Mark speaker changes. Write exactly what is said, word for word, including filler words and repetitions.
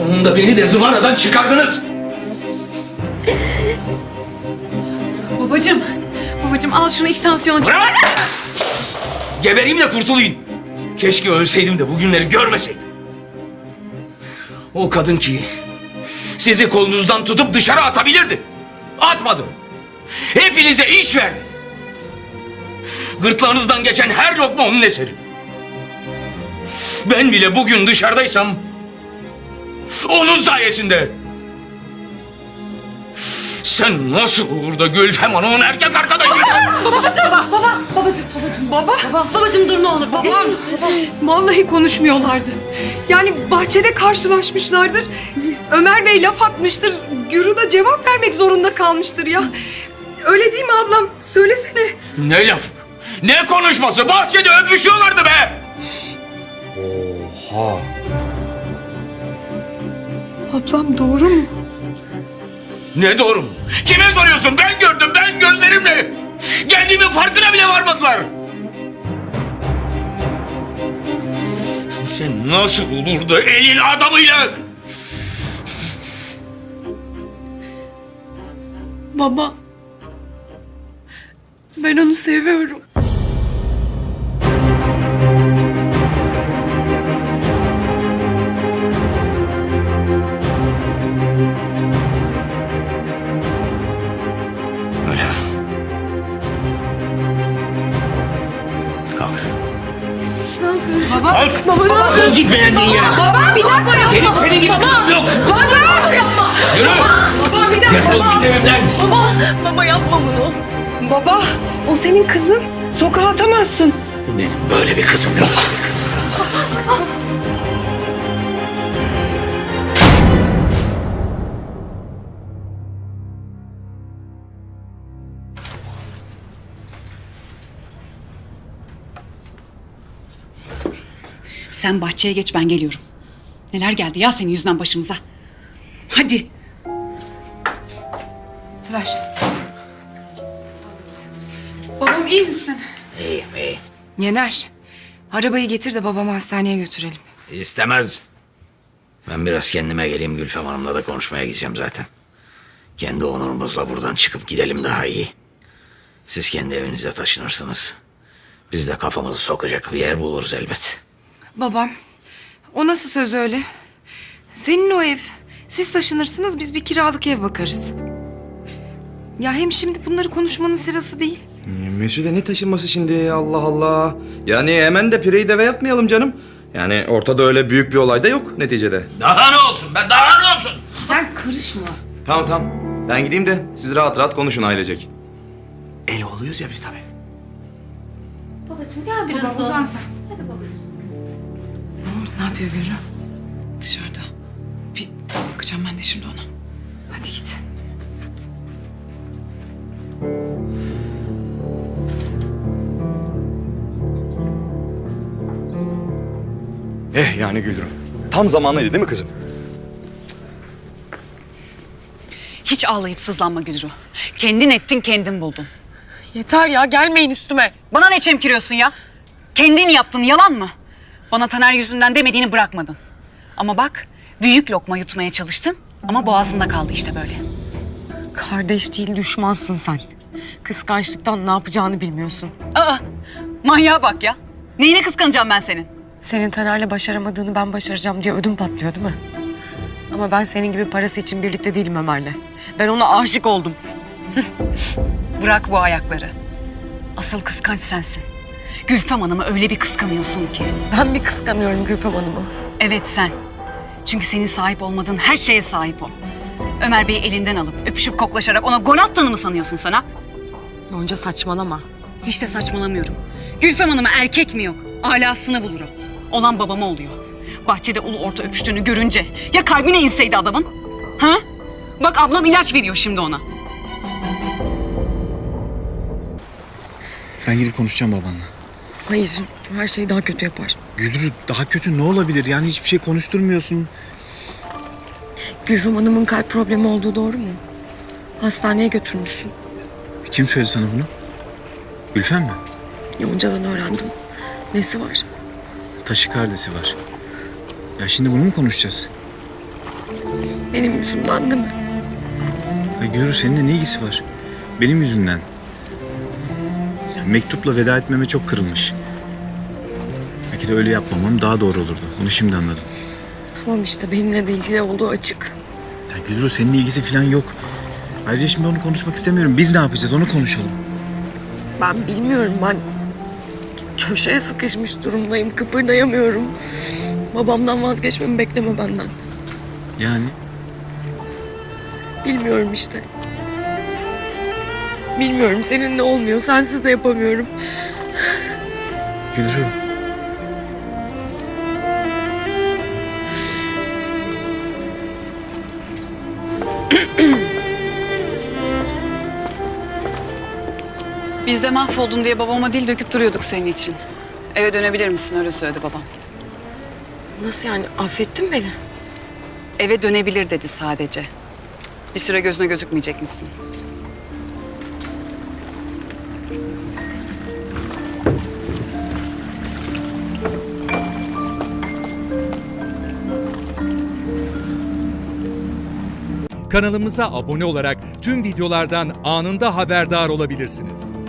Speaker 1: Sonunda beni de zıvanadan çıkardınız.
Speaker 2: Babacığım, babacığım al şunu, iç tansiyonu çık.
Speaker 1: Bırak! Gebereyim de kurtulayım. Keşke ölseydim de bugünleri görmeseydim. O kadın ki sizi kolunuzdan tutup dışarı atabilirdi. Atmadı. Hepinize iş verdi. Gırtlağınızdan geçen her lokma onun eseri. Ben bile bugün dışarıdaysam onun sayesinde. Sen nasıl olur da Gülfem Hanım'ın erkek arkadaşı?
Speaker 3: Baba, babacığım dur ne olur babam. Vallahi konuşmuyorlardı. Yani bahçede karşılaşmışlardır. Ömer Bey laf atmıştır. Gürü da cevap vermek zorunda kalmıştır ya. Öyle değil mi ablam? Söylesene.
Speaker 1: Ne lafı? Ne konuşması? Bahçede öpüşüyorlardı be! Oha!
Speaker 3: Ablam doğru mu?
Speaker 1: Ne doğru mu? Kime soruyorsun? Ben gördüm, ben gözlerimle. Geldiğimin farkına bile varmadılar. Sen nasıl olur da elin adamıyla...
Speaker 2: Baba, ben onu seviyorum.
Speaker 1: Öyle ha. Kalk.
Speaker 2: Baba,
Speaker 1: Kalk.
Speaker 2: baba ne oldu?
Speaker 1: Sen git beğendin ya.
Speaker 2: Baba bir dakika ya.
Speaker 1: Benim senin gibi kızım yok.
Speaker 2: Baba yapma.
Speaker 1: Yürü.
Speaker 3: Baba bir dakika.
Speaker 1: Defol git evimden.
Speaker 2: Baba, baba yapma bunu.
Speaker 3: Baba, o senin kızın. Sokağa atamazsın.
Speaker 1: Benim böyle bir kızım yok. Bir kızım yok.
Speaker 4: Sen bahçeye geç, ben geliyorum. Neler geldi ya senin yüzünden başımıza. Hadi. Ver.
Speaker 2: Babam iyi misin?
Speaker 1: İyiyim, iyiyim.
Speaker 3: Yener, arabayı getir de babamı hastaneye götürelim.
Speaker 1: İstemez. Ben biraz kendime geleyim. Gülfem Hanım'la da konuşmaya gideceğim zaten. Kendi onurumuzla buradan çıkıp gidelim daha iyi. Siz kendi evinize taşınırsınız. Biz de kafamızı sokacak bir yer buluruz elbet.
Speaker 3: Babam, o nasıl söz öyle? Senin o ev. Siz taşınırsınız, biz bir kiralık ev bakarız. Ya hem şimdi bunları konuşmanın sırası değil.
Speaker 5: Mesude ne taşınması şimdi, Allah Allah. Yani hemen de pireyi deve yapmayalım canım. Yani ortada öyle büyük bir olay da yok neticede.
Speaker 1: Daha ne olsun be, daha ne olsun?
Speaker 3: Sen karışma.
Speaker 5: Tamam tamam, ben gideyim de siz rahat rahat konuşun ailecek.
Speaker 1: El oluyoruz ya biz tabii.
Speaker 3: Ne yapıyor Gürü?
Speaker 2: Dışarıda. Bir bakacağım ben de şimdi ona.
Speaker 3: Hadi git.
Speaker 5: Eh yani Gülürüm. Tam zamanlıydı değil mi kızım?
Speaker 4: Hiç ağlayıp sızlanma Güdrü. Kendin ettin, kendin buldun.
Speaker 2: Yeter ya, gelmeyin üstüme.
Speaker 4: Bana ne çemkiriyorsun ya? Kendin yaptın, yalan mı? Bana Taner yüzünden demediğini bırakmadın. Ama bak, büyük lokma yutmaya çalıştın ama boğazında kaldı işte böyle.
Speaker 6: Kardeş değil, düşmansın sen. Kıskançlıktan ne yapacağını bilmiyorsun.
Speaker 4: Aa, manyağa bak ya. Neyine kıskanacağım ben senin?
Speaker 6: Senin Taner'le başaramadığını ben başaracağım diye ödüm patlıyor değil mi? Ama ben senin gibi parası için birlikte değilim Ömer'le. Ben ona aşık oldum.
Speaker 4: Bırak bu ayakları. Asıl kıskanç sensin. Gülfem Hanım'ı öyle bir kıskanıyorsun ki.
Speaker 6: Ben mi kıskanıyorum Gülfem Hanım'ı?
Speaker 4: Evet sen. Çünkü senin sahip olmadığın her şeye sahip o. Ömer Bey'i elinden alıp öpüşüp koklaşarak ona gol attığını mı sanıyorsun sana?
Speaker 6: Yonca saçmalama.
Speaker 4: Hiç de saçmalamıyorum. Gülfem Hanım'a erkek mi yok? Alasını bulur o. Olan babama oluyor. Bahçede ulu orta öpüştüğünü görünce ya kalbine inseydi adamın? Ha? Bak ablam ilaç veriyor şimdi ona.
Speaker 7: Ben gidip konuşacağım babanla.
Speaker 6: Hayır, her şeyi daha kötü yapar.
Speaker 7: Gülrü daha kötü ne olabilir? Yani hiçbir şey konuşturmuyorsun.
Speaker 6: Gülfem Hanım'ın kalp problemi olduğu doğru mu? Hastaneye götürmüşsün.
Speaker 7: Kim söyledi sana bunu? Gülfem mi?
Speaker 6: Yonca'dan öğrendim. Nesi var?
Speaker 7: Taşikardisi var. Ya şimdi bunu mu konuşacağız?
Speaker 6: Benim yüzümden değil mi?
Speaker 7: Ya Gülru seninle ne ilgisi var? Benim yüzümden. Ya mektupla veda etmeme çok kırılmış. Belki de öyle yapmamam daha doğru olurdu. Bunu şimdi anladım.
Speaker 6: Tamam işte benimle de ilgili olduğu açık.
Speaker 7: Ya Gülru seninle ilgisi falan yok. Ayrıca şimdi onu konuşmak istemiyorum. Biz ne yapacağız onu konuşalım.
Speaker 6: Ben bilmiyorum, ben köşeye sıkışmış durumdayım, kıpırdayamıyorum. Babamdan vazgeçmemi bekleme benden.
Speaker 7: Yani
Speaker 6: Bilmiyorum işte. Bilmiyorum, seninle olmuyor, sensiz de yapamıyorum.
Speaker 7: Gülru.
Speaker 4: Biz de mahvoldun diye babama dil döküp duruyorduk senin için. Eve dönebilir misin öyle söyledi babam.
Speaker 6: Nasıl yani, affettin beni?
Speaker 4: Eve dönebilir dedi sadece. Bir süre gözüne gözükmeyecek misin?
Speaker 8: Kanalımıza abone olarak tüm videolardan anında haberdar olabilirsiniz.